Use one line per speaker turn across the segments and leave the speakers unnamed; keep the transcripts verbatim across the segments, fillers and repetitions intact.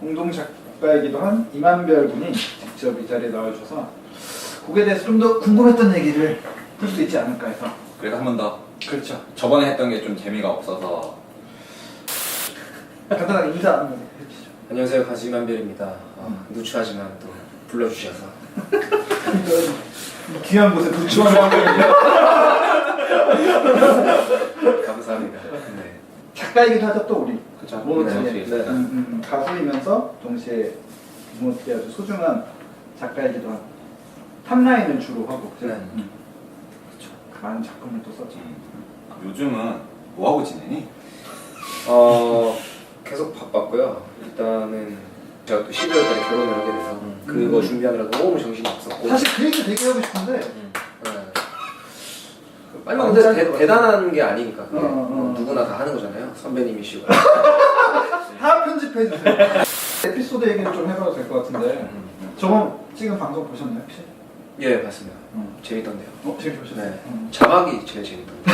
공동 작가이기도 한 이만별 군이 직접 이 자리에 나와주셔서 곡에 대해서 좀 더 궁금했던 얘기를 할 수 있지 않을까 해서.
그래도 한 번 더.
그렇죠.
저번에 했던 게 좀 재미가 없어서
간단하게 인사 한번 해주시죠.
안녕하세요, 가수 이만별입니다. 어, 누추하지만 또 불러주셔서
귀한 곳에 누추한 환경이요.
감사합니다. 네.
작가이기도 하죠 또 우리.
그쵸.
모노티에.
네, 네.
음, 음, 가수이면서 동시에 모노티에 아주 소중한 작가이기도 한. 탑라인을 주로 하고 그죠?
네.
음. 많은 작품을 또 썼죠.
음. 요즘은 뭐하고 지내니?
어, 계속 바빴고요. 일단은 제가 또 십이월 달에 결혼을 하게 돼서
음.
그거 준비하느라 너무 정신이 없었고.
사실 그 얘기 되게 하고 싶은데
네. 빨리 근데
안
대,
짧은
대단한 게 아니니까 그게.
어, 어, 어.
뭐 누구나 다 하는 거잖아요. 선배님이시고.
다 편집해 주세요. 에피소드 얘기를 좀 해봐도 될 것 같은데 저번 지금 방송 보셨나요 혹시?
예, 봤습니다.
음.
재밌던데요.
어 재밌게 보셨어요?
네.
음.
자막이 제일 재밌던데.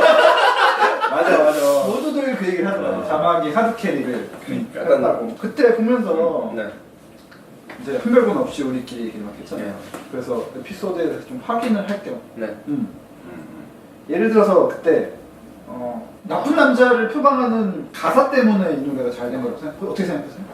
맞아 맞아. 모두들 그 얘기를 하더라고요.
어.
자막이 하드캐리를
그러니까.
했다고. 그때 보면서
네.
이제 한별분 없이 우리끼리 얘기를 막 했잖아요.
네.
그래서 에피소드에 대해서 좀 확인을 할 겸.
네.
음.
음.
예를 들어서 그때 어, 나쁜 남자를 표방하는 가사 때문에 이 노래가 잘 된 거라고 생각. 어떻게 생각하세요?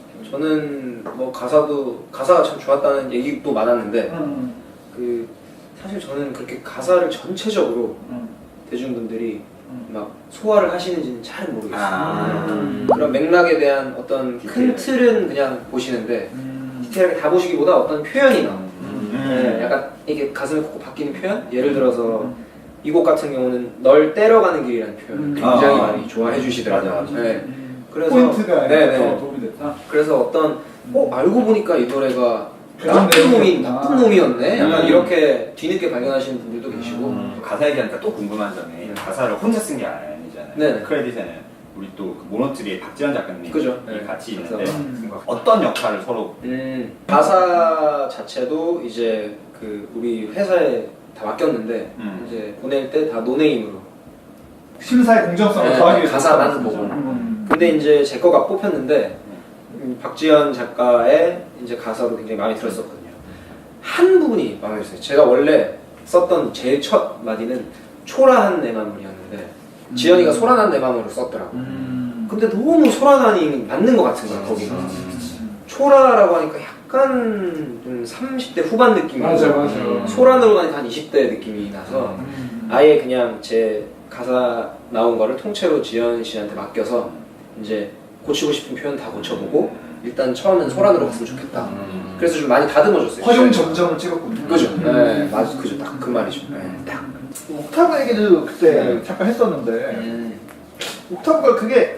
저는 뭐 가사도 가사가 참 좋았다는 얘기도 많았는데
음.
그 사실 저는 그렇게 가사를 전체적으로
음.
대중분들이
음.
막 소화를 하시는지는 잘 모르겠어요.
아.
음.
그런 맥락에 대한 어떤 큰
디테일.
틀은 그냥 보시는데
음.
디테일하게 다 보시기보다 어떤 표현이 나와요.
음.
네, 약간 이게 가슴에 콕콕 박히는 표현? 예를 들어서 이 곡 같은 경우는 널 때려가는 길이라는 표현을
음.
굉장히
아.
많이 좋아해 주시더라고요.
맞아, 맞아.
네.
음.
그래서-
포인트가
네네.
더 도움이 됐다.
그래서 어떤 어 알고 보니까 이 노래가
그런
나쁜 놈이
내용이었구나.
나쁜 놈이었네. 약간
음.
이렇게 뒤늦게 발견하시는 분들도 계시고.
음. 가사 얘기하니까 또 궁금한 점이 가사를 혼자 쓴 게 아니잖아요.
네.
크레딧에는 우리 또그 모노트리의 박지현 작가님이
그죠. 네.
같이
그래서-
있는데
음.
어떤 역할을 서로
음, 가사 자체도 이제 그 우리 회사에 다 맡겼는데
음.
이제 보낼 때 다 노네임으로.
심사의 공정성을
네,
더하기 위해서.
가사만 보고.
음.
근데 이제 제 거가 뽑혔는데 음, 박지현 작가의 이제 가사도 굉장히 마음에 들었었거든요. 한 부분이 마음에 들었어요. 제가 원래 썼던 제일 첫 마디는 초라한 내 맘이었는데
음.
지연이가 소란한 내 맘으로 썼더라고.
음.
근데 너무 소란하니 맞는 것 같은 거야 거기가.
음.
초라라고 하니까 약간 좀 삼십 대 후반 느낌이
맞아
나고
맞아.
소란으로 가니까 한 이십 대 느낌이 나서
음.
아예 그냥 제 가사 나온 거를 통째로 지연 씨한테 맡겨서 이제 고치고 싶은 표현 다 고쳐보고 일단 처음엔 소란으로 갔으면 좋겠다.
음.
그래서 좀 많이 다듬어줬어요.
허용 점정을 찍었군요.
그죠?
음.
네, 맞아, 그죠. 딱 그 말이죠. 네, 딱.
옥타브 얘기도 그때
네.
잠깐 했었는데
음.
옥타브가 그게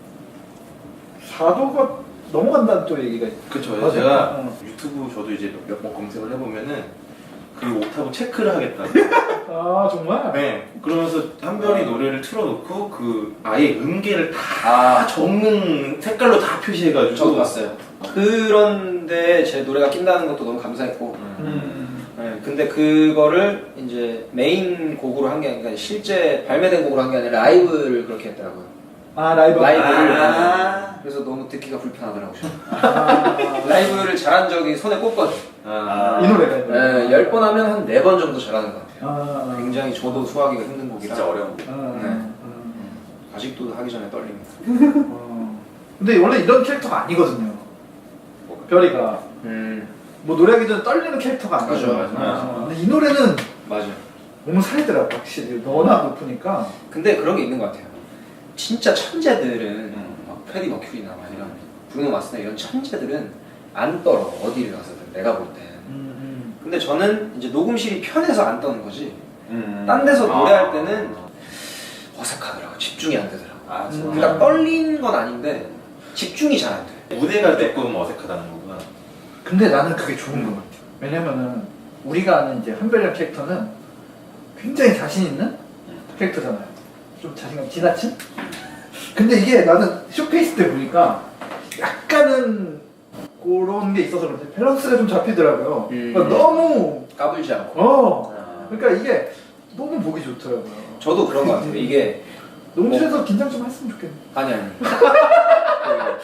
사도가 넘어간다는 또 얘기가 있-
그쵸.
맞아요.
제가
어.
유튜브 저도 이제 몇 번 검색을 해보면은 그 옥타브 체크를 하겠다고.
아 정말?
네. 그러면서 한별이 노래를 틀어놓고 그 아예 음계를 다
아
적는 색깔로 다 표시해가지고.
저도 봤어요. 그런데 제 노래가 낀다는 것도 너무 감사했고
음.
네, 근데 그거를 이제 메인 곡으로 한 게 아니라 실제 발매된 곡으로 한 게 아니라 라이브를 그렇게 했더라고요.
아 라이브.
라이브를
아.
그래서 너무 듣기가 불편하더라고요.
아,
라이브를 잘한 적이 손에 꼽거든.
아.
이 노래가 이 노래.
네, 열 번 하면 한 네 번 정도 잘하는 것 같아요.
아,
굉장히 저도 소화하기가 힘든 곡이라
진짜 어려운 곡.
아,
네.
아,
아직도 하기 전에 떨립니다.
어. 근데 원래 이런 캐릭터가 아니거든요. 별이가
음,
뭐 노래하기 전에 떨리는 캐릭터가 아니죠.
맞아, 맞아.
어, 근데 이 노래는
맞아.
몸을 살더라고 확실히 너나 높으니까.
근데 그런 게 있는 것 같아요. 진짜 천재들은
음.
막 프레디 머큐리나 막 이런 브루노 마스나 이런 천재들은 안 떨어 어디를 가서든 내가 볼 땐.
음,
근데 저는 이제 녹음실이 편해서 안 떠는 거지.
음.
딴 데서
아.
노래할 때는 어색하더라고. 집중이 안 되더라고.
아 진짜.
음.
그러니까 떨린 건 아닌데 집중이 잘 안 돼.
무대가 조금 어색하다는 거구나.
근데 나는 그게 좋은 것 같아. 왜냐면은 우리가 아는 이제 한별이란 캐릭터는 굉장히 자신 있는 캐릭터잖아요. 좀 자신감 지나친? 근데 이게 나는 쇼케이스 때 보니까 약간은 그런 게 있어서 그런지 밸런스가 좀 잡히더라고요.
음.
그러니까 너무
까불지 않고.
어
아.
그러니까 이게 너무 보기 좋더라고요.
저도 그런 것 같아요. 이게
녹음실에서 긴장 좀 했으면 좋겠네.
아니 아니. 그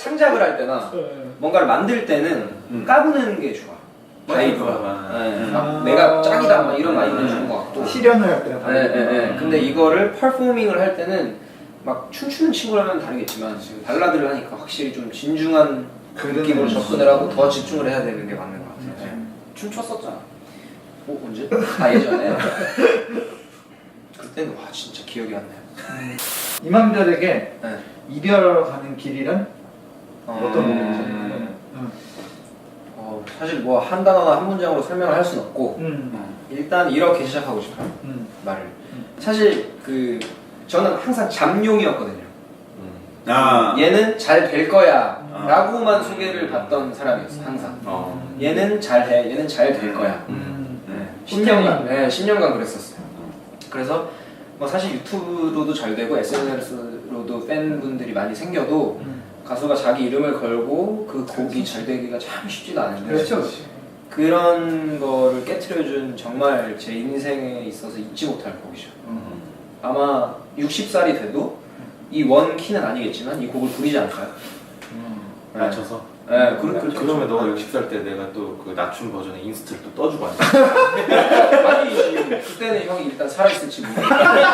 창작을 할 때나 뭔가를 만들 때는
음.
까부는 게 좋아. 바이브가.
아.
네, 막
아.
내가 짱이다 막 이런 마인드 주는 것 같고.
실현을 할 때는
네, 네, 네. 근데 이거를 퍼포밍을 할 때는 막 춤추는 친구라면 다르겠지만 지금 발라드를 하니까 확실히 좀 진중한
그런
느낌으로
느낌.
접근을 하고 더 집중을 해야 되는 게 맞는 것 같아요. 네.
춤췄었잖아.
어, 언제? 아 예전에? 그때는 와 진짜 기억이 안 나요.
이만별에게
네.
이별가는 길이란 어떤 부분이죠?
음.
음.
어, 사실 뭐 한 단어나 한 문장으로 설명을 할 수는 없고
음.
일단 이렇게 시작하고 싶어요.
음.
말을. 사실 그 저는 항상 잠룡이었거든요.
아.
얘는 잘 될 거야 라고만 소개를 받던 사람이었어 항상.
어.
얘는 잘해, 얘는 잘 될 거야.
음.
네, 십 년간, 네, 십 년간 그랬었어요. 그래서 뭐 사실 유튜브로도 잘 되고 에스엔에스로도 팬분들이 많이 생겨도
음.
가수가 자기 이름을 걸고 그 곡이 잘 되기가 참 쉽지가 않은데
그렇죠, 그렇죠.
그런 거를 깨트려준 정말 제 인생에 있어서 잊지 못할 곡이죠.
음.
아마 육십 살이 돼도 이 원 키는 아니겠지만 이 곡을 부르지 않을까요?
음.
맞춰서.
네, 그, 그,
그러면 너가 육십 살 때 내가 또 그 낮춤 버전의 인스트를 또 떠주고 앉아.
아니 그때는 형이 일단 살아있을지 모르겠어.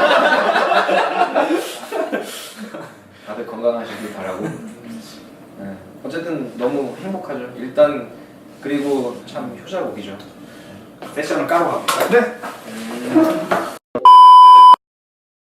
다들 건강하시길 바라고. 네. 어쨌든 너무 행복하죠. 일단 그리고 참 효자곡이죠.
세션을 까러 갑니다.
네.
음.